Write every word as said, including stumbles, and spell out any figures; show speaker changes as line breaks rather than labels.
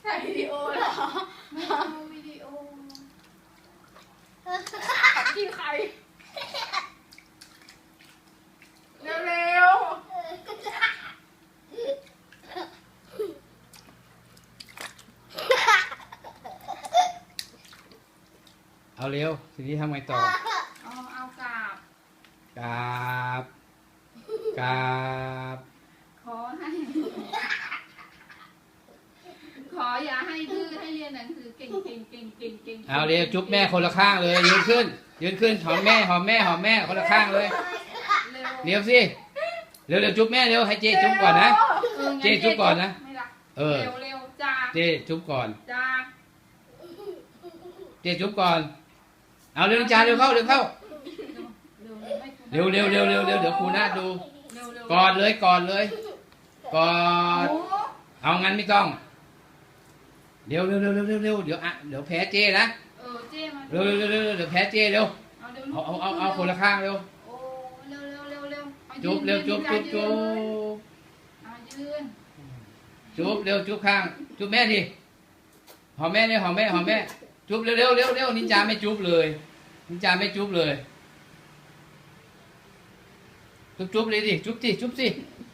ถ่ายวิดีโอเหรอไม่เอาวิดีโอกินไข่เร็ว
เอาเร็วทีนี้ทำไงต่อ
ๆเอาเอากราบ
กราบกราบ
ขอให้ ขออย่าให้ดื้อให้เรียนหนังสือเก่งเก่งเก่งเก่งเก่ง
เอาเร็วจุ๊บแม่คนละข้างเลยยืนขึ้นยืนขึ้นหอมแม่หอมแม่หอมแม่คนละข้างเลย
เร็ว
เร็วสิเร็วเร็วจุ๊บแม่เร็วให้เจจุ๊บก่อนนะ
อองั้น
เจ๊จุ๊บก่อนนะ
ไม่รัก
เออ
เร็วเร็วจ้า
เจจุ๊บก่อน
จ้า
เจจุ๊บก่อนเอาเร็วจ้าเร็วเข้าเร็วเข้า
เร็วเร็ว
เร็วเร็วเร็วเร็วเร็วเดี๋ยวครูนาดู
เร็วเร็ว
กอดเลยกอดเลยกอด
โอ้
เอางั้นไม่ต้องเร็วเร็วเร็วเร็วเร็วเร็วเดี๋ยวอ่ะเดี๋ยวแพ้เจนะ
เออเจ๊มา
เร็วเร็วเร็วเร็วเดี๋ยวแพ้เจเร็ว
เอาเร็ว
เอาเอาเอาเอาคนละข้างเร็ว
โอ้เร็วเร็วเร็วเร็วอา
จุ๊บเร็ว
ยื
จุ๊บ
น
จุ๊บ
ยื
จุ๊
น
บ
เอายืน
จุ๊บเร็วจุ๊บข้างจุ๊บแม่ดิหอมแม่เนี่ยหอมแม่หอมแม่จุ๊บเร็วเร็วเร็วเร็วนินจาไม่จุ๊บเลยนินจาไม่จุ๊บเลยจุ๊บจุ๊บเลยดิจุ๊บสิจุ๊บสิ